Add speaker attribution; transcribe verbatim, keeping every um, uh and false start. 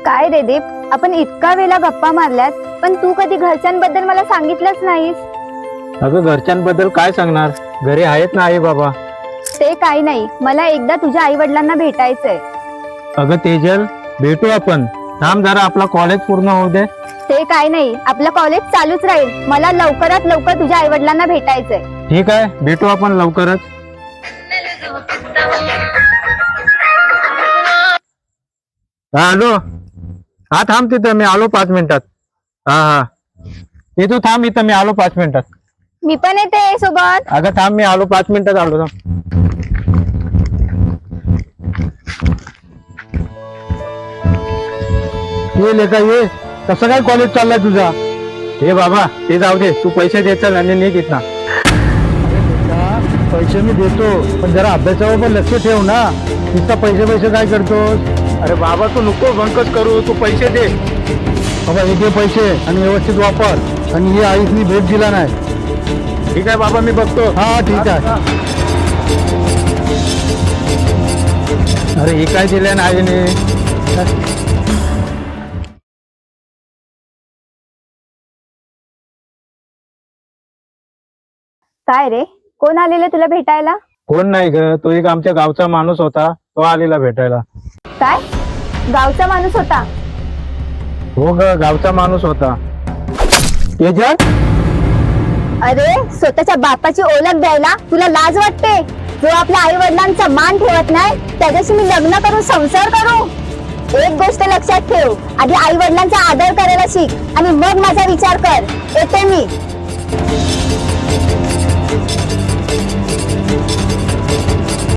Speaker 1: काय रे दीप, आपण इतका वेळा गप्पा मारल्यात पण तू कधी घरच्यांबद्दल मला सांगितलंच नाहीस.
Speaker 2: अगं घरच्यांबद्दल काय सांगणार, घरी आहेत ना आई बाबा.
Speaker 1: ते काही नाही, मला एकदा तुझ्या आई वडिलांना भेटायचंय.
Speaker 2: अगं तेजल, भेटू आपण. थांब जरा, आपला कॉलेज पूर्ण होऊ दे.
Speaker 1: ते काय नाही, आपलं कॉलेज चालूच राहील. मला लवकरात लवकर तुझ्या आई वडिलांना भेटायचंय.
Speaker 2: ठीक आहे, भेटू आपण लवकरच. हा हॅलो, हा थांब तिथं, मी आलो पाच मिनिटात. हा हा ये तू थांब इथं, मी आलो पाच मिनिटात.
Speaker 1: मी पण येते सोबत.
Speaker 2: अगं थांब, मी आलो पाच मिनिटात आलो. थांब. ये लेका ये, कसं काय कॉलेज चाललाय तुझा? हे बाबा ते जाऊ दे, तू पैसे दे चल आणि निघ इथं. पैसे मी देतो, पण जरा अभ्यासावर पण लक्ष ठेव ना. नुसता पैसे पैसे काय करतोस? अरे बाबा तू नको बंकच करू, तू पैसे दे. बाबा हे घे पैसे आणि व्यवस्थित वापर. आणि ही आईसनी भेट दिला नाही. ठीक आहे बाबा, मी बघतो. हा ठीक आहे. अरे हे काय दिलं ना आईने?
Speaker 1: काय रे, कोण आलेलं तुला भेटायला?
Speaker 2: कोण नाही ग, तो एक आमच्या गावचा माणूस होता, तो आलेला भेटायला.
Speaker 1: काय, गावचा माणूस होता?
Speaker 2: हो ग, गावचा माणूस होता. तेजल,
Speaker 1: अरे स्वतःच्या बापाची ओळख द्यायला तुला लाज वाटते? जो आपल्या आई वडिलांचा मान ठेवत नाही त्याच्याशी मी लग्न करून संसार करू? एक गोष्ट लक्षात ठेव, आधी आई वडिलांचा आदर करायला शिक आणि मग माझा विचार कर. येते मी.